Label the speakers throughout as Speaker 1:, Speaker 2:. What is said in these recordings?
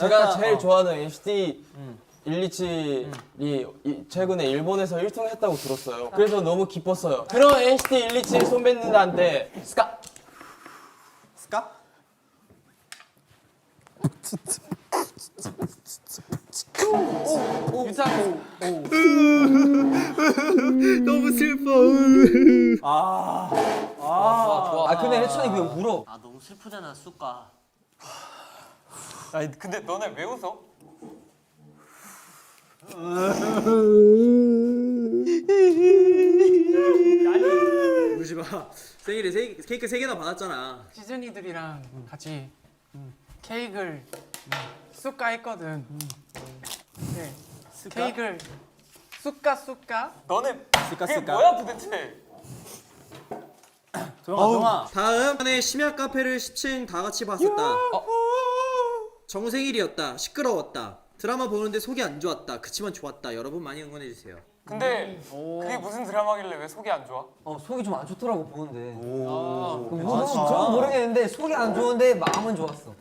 Speaker 1: 제가 제일 좋아하는 NCT 127이 최근에 일본에서 1등 했다고 들었어요. 그래서 너무 기뻤어요. 그런 NCT 127 선배님들한테 스카!
Speaker 2: 유창.
Speaker 3: 너무 슬퍼.
Speaker 1: 좋아.
Speaker 3: 근데 해찬이 그냥 울어.
Speaker 4: 아 너무 슬프잖아 쑥가.
Speaker 2: 아니 근데 너네 왜 웃어?
Speaker 3: 울지 마. 생일에 케이크 3개나 받았잖아.
Speaker 2: 시즌이들이랑 같이 케이크를 쑥가 했거든. 네. 케이크를 쑥가? 너네 그게 뭐야 도대체?
Speaker 3: 동아. 다음 번에 심야 카페를 10층 다 같이 봤었다. 정생일이었다. 시끄러웠다. 드라마 보는데 속이 안 좋았다. 그치만 좋았다. 여러분 많이 응원해 주세요.
Speaker 2: 근데 그게 무슨 드라마길래 왜 속이 안 좋아?
Speaker 5: 속이 좀 안 좋더라고 보는데.
Speaker 3: 진짜?
Speaker 5: 저는 모르겠는데 속이 안 좋은데 마음은 좋았어.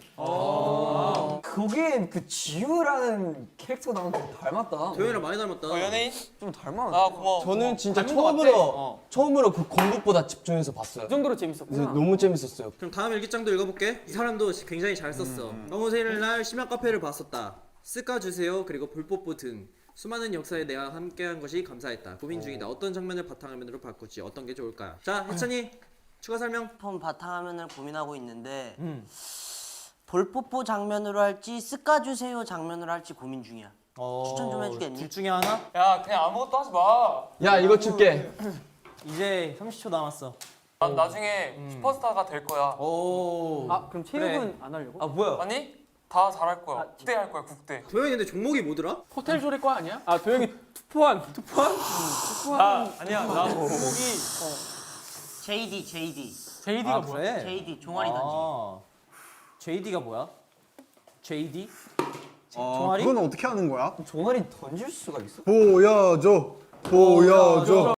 Speaker 5: 거기에 그 지우라는 캐릭터 나오는 게 닮았다.
Speaker 3: 도현이랑 많이 닮았다.
Speaker 2: 연예인?
Speaker 5: 좀 닮았는데.
Speaker 2: 아 고마워.
Speaker 1: 저는 진짜
Speaker 2: 닮은 것
Speaker 1: 처음으로 그 공부보다 집중해서 봤어요.
Speaker 2: 그 정도로 재밌었구나.
Speaker 1: 너무 재밌었어요.
Speaker 3: 그럼 다음 일기장도 읽어볼게. 이 사람도 굉장히 잘 썼어. 너무 생일날 심야 카페를 봤었다. 쓱까주세요. 그리고 볼뽀뽀 등 수많은 역사에 내가 함께한 것이 감사했다. 고민 중이다. 어떤 장면을 바탕화면으로 바꿀지 어떤 게 좋을까요? 자, 혜찬이 추가 설명.
Speaker 4: 폰 바탕화면을 고민하고 있는데 볼뽀뽀 장면으로 할지 쓱까주세요 장면으로 할지 고민 중이야. 추천 좀 해주겠니?
Speaker 3: 둘 중에 하나?
Speaker 2: 야 그냥 아무것도 하지 마.
Speaker 1: 야 이거 줄게.
Speaker 3: 이제 30초 남았어.
Speaker 2: 난 나중에 슈퍼스타가 될 거야.
Speaker 3: 오.
Speaker 5: 그럼 체육은 안 하려고?
Speaker 3: 뭐야?
Speaker 2: 아니 다 잘할 거야. 국대 할 거야 국대.
Speaker 3: 도현이 근데 종목이 뭐더라?
Speaker 2: 호텔 조리과 아니야?
Speaker 5: 아 도영이 투포한.
Speaker 2: 아니야 나 목이
Speaker 4: JD
Speaker 2: JD가 뭐야?
Speaker 4: JD 종아리 던지기.
Speaker 3: JD가 뭐야? JD?
Speaker 6: 그건 어떻게 하는 거야?
Speaker 5: 종아리 던질 수가 있어?
Speaker 6: 보여줘.